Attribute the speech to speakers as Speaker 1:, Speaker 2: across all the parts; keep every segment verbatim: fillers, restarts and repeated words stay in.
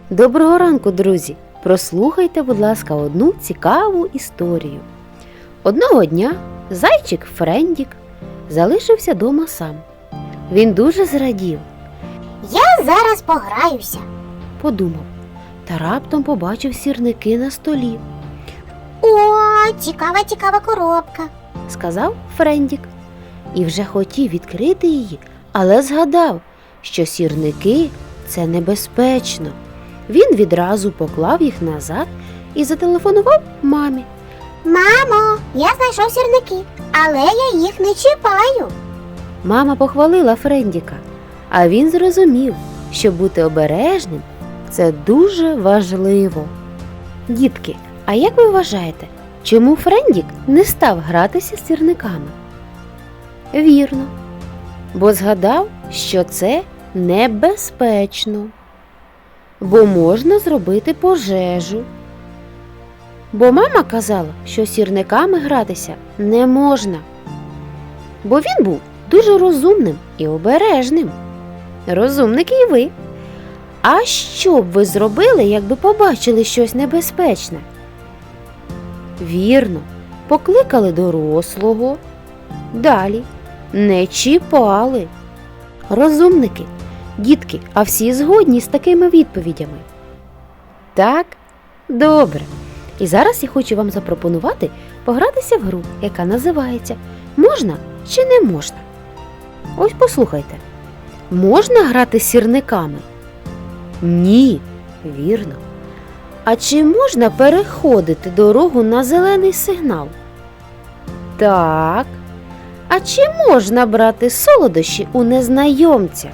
Speaker 1: Доброго ранку, друзі! Прослухайте, будь ласка, одну цікаву історію. Одного дня зайчик Френдік залишився дома сам. Він дуже зрадів,
Speaker 2: Я зараз пограюся.
Speaker 1: подумав, та раптом побачив сірники на столі.
Speaker 2: О, цікава, цікава коробка.
Speaker 1: Сказав Френдік. І вже хотів відкрити її, але згадав, що сірники – це небезпечно. Він відразу поклав їх назад і зателефонував мамі.
Speaker 2: Мамо, я знайшов сірники, але я їх не чіпаю.
Speaker 1: Мама похвалила Френдіка, а він зрозумів, що бути обережним – це дуже важливо. Дітки, а як ви вважаєте, чому Френдік не став гратися з сірниками? Вірно, бо згадав, що це небезпечно, бо можна зробити пожежу. Бо мама казала, що сірниками гратися не можна, бо він був дуже розумним і обережним. Розумники і ви. А що б ви зробили, якби побачили щось небезпечне? Вірно, покликали дорослого. Далі не чіпали. Розумники, дітки, а всі згодні з такими відповідями? Так? Добре. І зараз я хочу вам запропонувати погратися в гру, яка називається «Можна чи не можна?». Ось послухайте. Можна грати з сірниками? Ні, вірно. А чи можна переходити дорогу на зелений сигнал? Так. А чи можна брати солодощі у незнайомця?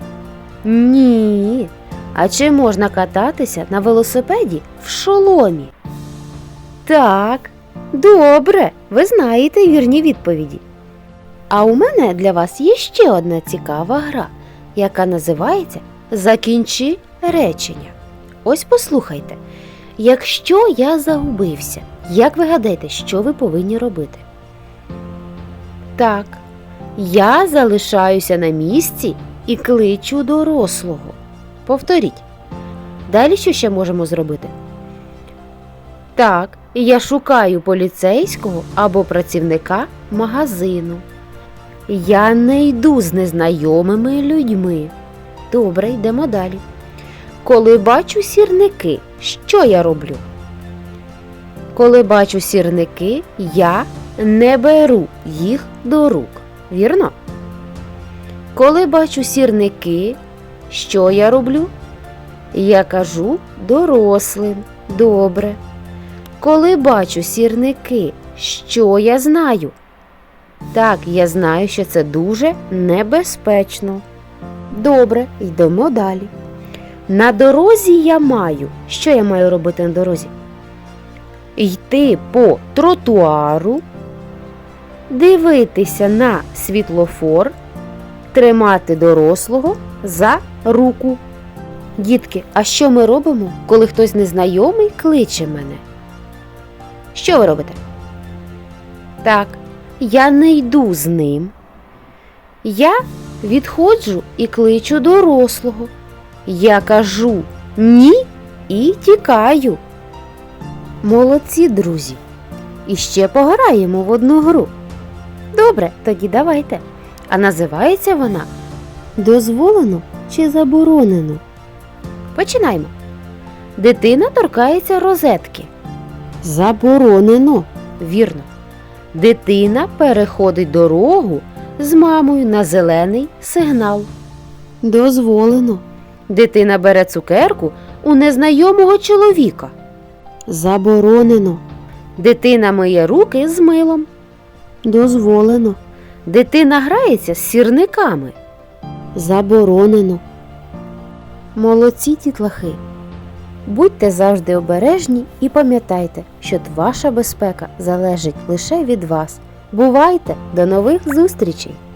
Speaker 1: Ні. А чи можна кататися на велосипеді в шоломі? Так. Добре, ви знаєте вірні відповіді. А у мене для вас є ще одна цікава гра, яка називається «Закінчи речення». Ось послухайте. Якщо я загубився, як ви гадаєте, що ви повинні робити? Так, я залишаюся на місці і кличу дорослого. Повторіть. Далі що ще можемо зробити? Так, я шукаю поліцейського або працівника магазину. Я не йду з незнайомими людьми. Добре, йдемо далі. Коли бачу сірники, що я роблю? Коли бачу сірники, я не беру їх до рук. Вірно? Коли бачу сірники, що я роблю? Я кажу дорослим. Добре. Коли бачу сірники, що я знаю? Так, я знаю, що це дуже небезпечно. Добре, йдемо далі. На дорозі я маю. Що я маю робити на дорозі? Йти по тротуару, дивитися на світлофор, тримати дорослого за руку. Дітки, а що ми робимо, коли хтось незнайомий кличе мене? Що ви робите? Так, я не йду з ним. Я відходжу і кличу дорослого. Я кажу «ні» і тікаю. Молодці, друзі! І ще пограємо в одну гру. Добре, тоді давайте. А називається вона «Дозволено чи заборонено?». Починаємо. Дитина торкається розетки. Заборонено. Вірно. Дитина переходить дорогу з мамою на зелений сигнал. Дозволено. Дитина бере цукерку у незнайомого чоловіка. Заборонено. Дитина миє руки з милом. Дозволено. Дитина грається з сірниками. Заборонено. Молодці, дітлахи! Будьте завжди обережні і пам'ятайте, що ваша безпека залежить лише від вас. Бувайте! До нових зустрічей!